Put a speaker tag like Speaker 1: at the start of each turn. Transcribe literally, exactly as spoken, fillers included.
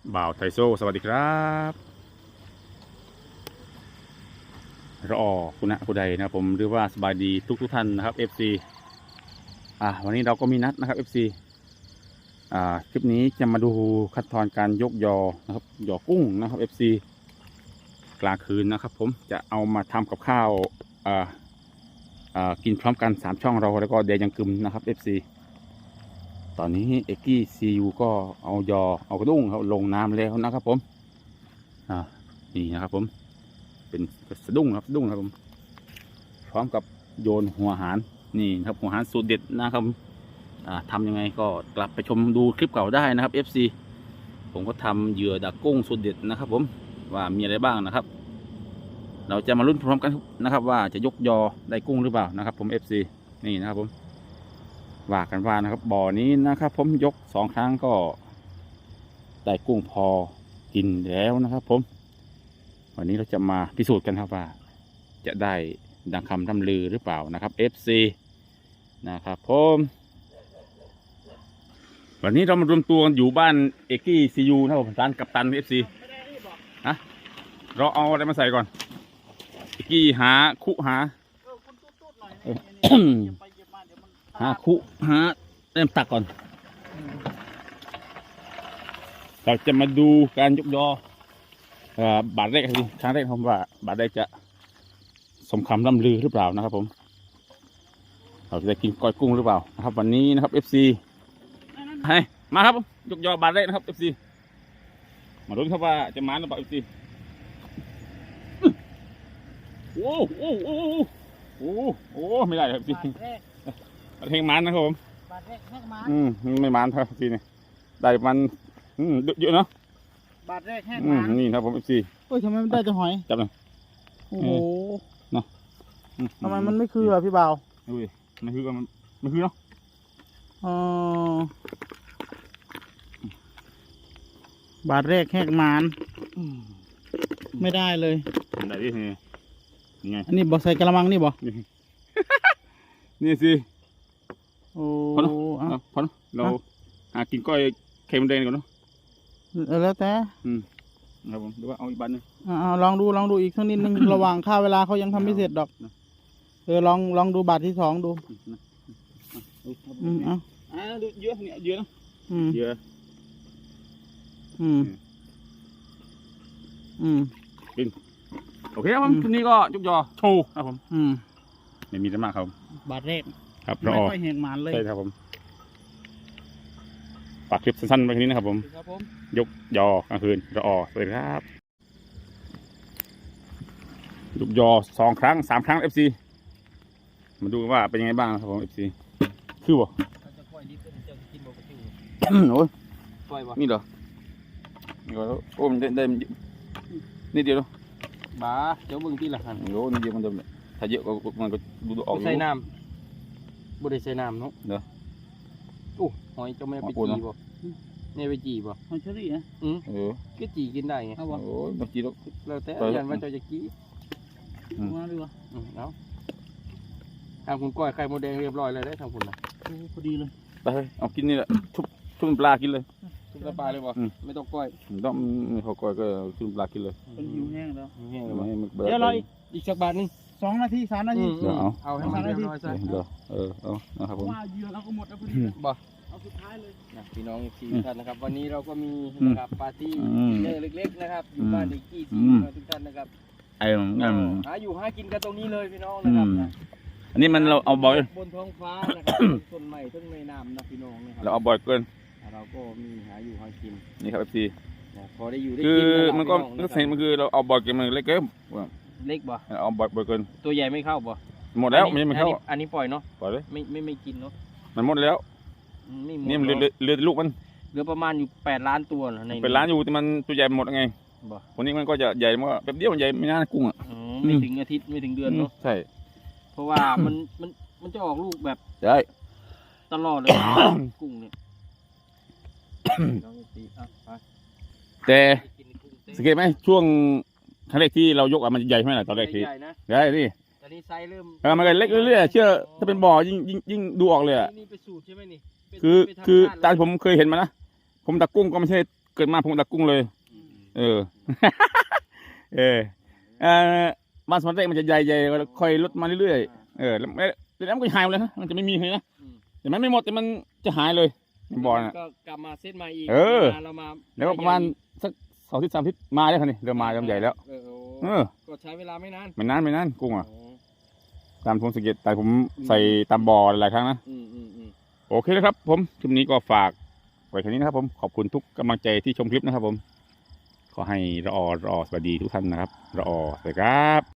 Speaker 1: บ่าวไทโซสวัสดีครับรอคุณนะคุณใดนะครับผมหรือว่าสบายดีทุกทุกท่านนะครับ เอฟ ซี อ่าวันนี้เราก็มีนัดนะครับ เอฟ ซี อ่าคลิปนี้จะมาดูขั้นตอนการยกยอนะครับยอกุ้งนะครับ เอฟ ซี กลางคืนนะครับผมจะเอามาทำกับข้าวอ่าอ่ากินพร้อมกันสามช่องเราแล้วก็เดยังกึมนะครับ เอฟ ซี ตอนนี้เอกกี้ซียูก็เอายอเอากระดุ้งเขาลงน้ำแล้วนะครับผมอ่านี่นะครับผมเป็นสะดุ้งครับสะดุ้งครับผมพร้อมกับโยนหัวหารนี่ครับหัวหารสูตรเด็ดนะครับอ่าทำยังไงก็กลับไปชมดูคลิปเก่าได้นะครับ เอฟ ซี ผมก็ทำเหยื่อดักกุ้งสูตรเด็ดนะครับผมว่ามีอะไรบ้างนะครับ เราจะมาลุ้นพร้อมกันนะครับว่าจะยกยอได้กุ้งหรือเปล่านะครับผม เอฟ ซี นี่นะครับผมว่ากันว่านะครับบ่อนี้นะครับผมยกสองครั้งก็ได้กุ้งพอกินแล้วนะครับผมวันนี้เราจะมาพิสูจน์กันครับว่าจะได้ดังคำร่ำลือหรือเปล่านะครับ เอฟ ซี นะครับผมวันนี้เรามารวมตัวกันอยู่บ้านเอกกี้ซียูนะครับผมร้านกัปตัน เอฟ ซี ฮะเราเอาอะไรมาใส่ก่อนเอกกี้หาคุหาหาคุหาเริ่มตักก่อนเราจะมาดูการยกยอบาทแรกครับครั้งแรกผมว่าบาทแรกจะสมคำล่ำลือหรือเปล่านะครับผมเราจะได้กินก้อยกุ้งหรือเปล่านะครับวันนี้นะครับ เอฟ ซี ให้มาครับยกยอบาทแรกนะครับ เอฟ ซี มาลุ้นครับว่าจะมาหรือเปล่า เอฟ ซี โอ้โอ้โอ้โอ้โอ้ไม่ได้ครับ เอฟ ซี เพลงมันนะครับผมบาทแรกแหกมันอืมไม่มันครับพี่นี่ได้มันอืมเยอะเนาะ
Speaker 2: บาทแรกแหก
Speaker 1: อื
Speaker 2: มั
Speaker 1: ม
Speaker 2: น
Speaker 1: นี่ครับผมเอฟซี
Speaker 2: เฮ้ยทำไมมันได้แต่หอย
Speaker 1: จับเลย
Speaker 2: โอ้โห
Speaker 1: เนาะ
Speaker 2: ทำไมมันไม่คืออ่ะพี่บ่าว
Speaker 1: อุ้ยไม่คือกันไม่คือเนาะ
Speaker 2: อ๋อ บาทแรกแหกมันไม่ได้เลย
Speaker 1: ได้ดินี่ไง
Speaker 2: อันนี้บอกใส่กระมังนี่บอก
Speaker 1: นี่สิ
Speaker 2: โอ้
Speaker 1: พอเนาะพอเนาะเราหากินก้อยเค็มแดงก่อนเนาะ
Speaker 2: แล้วแต่
Speaker 1: อืมครับผมหรือว่าเอาอีกบันนึง
Speaker 2: อ่าลองดูลองดูอีกสักนิดนึง ระหว่างค่าเวลาเขายังทำไม่เสร็จดอกเออลองลองดูบาทที่สองดูอืมเอา
Speaker 1: อ่าดูเยอะเนี่ยเยอะเนาะ
Speaker 2: อืม
Speaker 1: เยอะ
Speaker 2: อืมอืม
Speaker 1: กินโอเคครับผมทีนี้ก็จุกยอโชว์ครับผม
Speaker 2: อืม
Speaker 1: ไม่มีอะไรมากครับ
Speaker 2: บาทแรก
Speaker 1: ครับ
Speaker 2: ไม่ค่อยเห็นหมานเลย
Speaker 1: ใช่ครับผมฝากคลิปสั้นๆไว้แค่นี้นะครับผมยกยอกลางคืนรอสวัสดีครับยกยอสองครั้งสามครั้ง เอฟ ซี มาดูว่าเป็นยังไงบ้างครับผม เอฟ ซี คือบ่โอ้ยนี่เหรอนี่ก็โอ้มันได้ได้นี่เดียว
Speaker 2: บ้าเจ้าบึงที่ละหัน
Speaker 1: โอ้นี่เดียวมันจะถ้าเยอะก็มันก็ดูออก
Speaker 2: ใส่น้ำบุได้ใส่น้ำเนาะ
Speaker 1: เด้อ
Speaker 2: โอ้หอยจะไม่ไปจีบ่เนี่ยไปจีบ่หอยเชอรี่นะอืมเออก็จีกินได้ไงโอ้
Speaker 1: ยมันจีแล้ว
Speaker 2: แล้วแต่ยันว่าจะจะกี้มาดีกว่าอืมเอาทำคุณก้อยไข่โมแดงเรียบร้อยเลยได้ทำคุณนะพอดีเลย
Speaker 1: ไปเอากินนี่แหละทุบทุบปลากินเลย
Speaker 2: ทุบปลาเลยบ่ไม่ต้องก้อย
Speaker 1: ต้องไม่พอก้อยก็ทุบปลากินเลย
Speaker 2: เป็นหิวแห้งแล้ว
Speaker 1: แห้งแล้ว
Speaker 2: เดี๋ยวรออีกสักบาทนึงสองนาทีสามนาที
Speaker 1: เดี๋ยวเอา
Speaker 2: เอาให้สามนาที
Speaker 1: เดี๋ยวเออเอานะครับผม
Speaker 2: ว่าเยอะแล้วก็หมดแล้วพอดีบ่เอาสุดท้ายเลยนะพี่น้องทีท่านนะครับวันนี้เราก็มีนะครับปาร์ตี้เล็กๆนะครับอยู่บ้านอีกกี่ทีทุกท่านนะครับ
Speaker 1: ไอ้งั้น
Speaker 2: หาอยู่หากินกันตรงนี้เลยพี่น้องนะครับ
Speaker 1: อันนี้มันเราเอาบ่อย
Speaker 2: บนท้องฟ้านะครับต้นไม้ต้นไม้น้ำนะพี่น้องนะครับ
Speaker 1: เราเอาบ่อยเกิน
Speaker 2: เราก็มีหาอยู่หากิน
Speaker 1: นี่ครับเอฟซี
Speaker 2: พอได้อยู่ได้
Speaker 1: กินคือมันก็มันเห็นมันคือเราเอาบ่อยเกินมันเล็กเกิน
Speaker 2: เล็กบ่
Speaker 1: เอาบ่อยบ่อยเกิน
Speaker 2: ตัวใหญ่ไม่เข้าบ่
Speaker 1: หมดแล้วมันไม่เข้า
Speaker 2: อันนี้ปล่อยเนาะ
Speaker 1: ปล่อยเลย
Speaker 2: ไม่ไม่ไม่กินเนาะ
Speaker 1: มันหมดแล้วนี่มันเหลือลูกมัน
Speaker 2: เหลือประมาณอยู่แปดล้านตัวใน
Speaker 1: เป็นล้านอยู่แต่มันตัวใหญ่หมดไงบ่วันนี้มันก็จะใหญ่มันก็แป๊บเดียวมันใหญ่ไม่น่ากุ้งอ่ะ
Speaker 2: ไม่ถึงอาทิตย์ไม่ถึงเดือนเนาะ
Speaker 1: ใช่
Speaker 2: เพราะว่ามันมันมันจะออกลูกแบบ
Speaker 1: ใช่
Speaker 2: ตลอดเลยกุ้งเนี่ย
Speaker 1: แต่สังเกตไหมช่วงครั้งแรกที่เรายกอ่ะมันใหญ่ไหมล่ะตอนแรกทีใหญ่นี่
Speaker 2: ตอนนี้ไซส์เริ่ม
Speaker 1: เออมันก็เล็กเรื่อยๆเชื่อถ้าเป็นบ่อยิ่งยิ่งยิ่งดูออกเลยอ่ะ
Speaker 2: นี่เป็นสูตรใช่ไหมนี่
Speaker 1: คือคือตามผมเคยเห็นมานะผมตักกุ้งก็ไม่ใช่เกิดมาผมดักกุ้งเลย เออ เออเออบ้านสวนเต้มันจะใหญ่ๆแล้วค่อยลดมาเรื่อยๆเออแล้วแล้วมันก็หายหมดเลยนะมันจะไม่มีเลยนะแต่มันไม่หมดแต่มันจะหายเลยบ่อน่ะ
Speaker 2: ก็กลับมาเซตใหม่อีก
Speaker 1: เออ
Speaker 2: เรามา
Speaker 1: แล้วก็ประมาณสักสองทิศสามทิศมาแล้วคันนี้เริ่มมาเริ่มใหญ่แล้ว
Speaker 2: เออ
Speaker 1: เออ
Speaker 2: ก็ใช้เวลาไม่นาน
Speaker 1: ไม่นานไม่นานกุ้งอ่ะ
Speaker 2: อ๋อ
Speaker 1: ตามผมสังเกตแต่ผมใส่ตามบ่อหลายครั้งนะ
Speaker 2: อืมอืมอืม
Speaker 1: โอเคนะครับ ผมคลิปนี้ก็ฝากไว้แค่นี้นะครับผมขอบคุณทุกกำลังใจที่ชมคลิปนะครับผมขอให้รอรอสวัสดีทุกท่านนะครับรอสวัสดีครับ